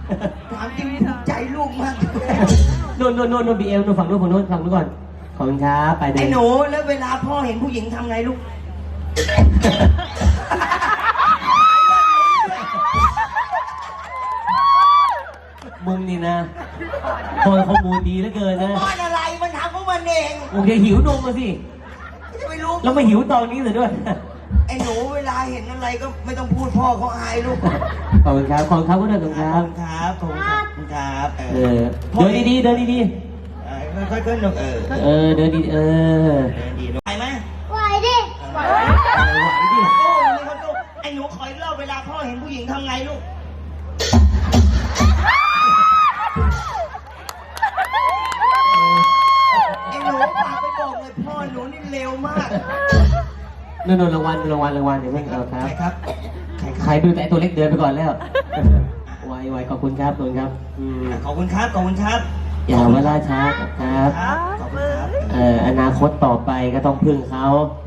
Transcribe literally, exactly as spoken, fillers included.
ถามจริงภูมิใจลูกมากโน่นโน่นโน่นโน่นบีเอลโน่นฝั่งโน้นฝั่งโน้นฝั่งโน้นก่อนขอบคุณครับไปเลยไอ้หนูแล้วเวลาพ่อเห็นผู้หญิงทำไงลูกมึงนี่นะพอข้อมูลดีเหลือเกินนะป้อนอะไรมันทำของมันเองโอเคหิวนมมาสิจะไม่รู้แล้วมาหิวตอนนี้เลยด้วยไอ้หนูเวลาเห็นอะไรก็ไม่ต้องพูดพ่อเขาอายลูกขอบคุณครับขอบคุณครับก็ได้ขอบคุณคขรัอบบ คุณครับขอบคุณครับเอเอออเดินดีๆเดินดีเออค่อยๆขึ้นลูกเออๆเออเดินดีเออเดินดีลูกไปไหมไหวดิไหวไหวดิโอ้ยนี่เขาลูกไอ้หนูคอยเล่าเวลาพ่อเห็นผู้หญิงทำไงลูกไอ้หนูฝากไปบอกเลยพ่อหนูนี่เร็วมากโน่นๆรางวัลรางวัลรางวัลเดี๋ยวเพิ่งเอาคใครัรบครับใครคใครรับดูแต่ตัวเล็กเดินไปก่อนแล้วไวไวขอบคุณครับขอบคุณครับอืมขอบคุณครับขอบคุณครับอย่าว่าล่าช้าครับครับขอบคุณครับเอ่ออนาคตต่อไปก็ต้องพึ่งเขาค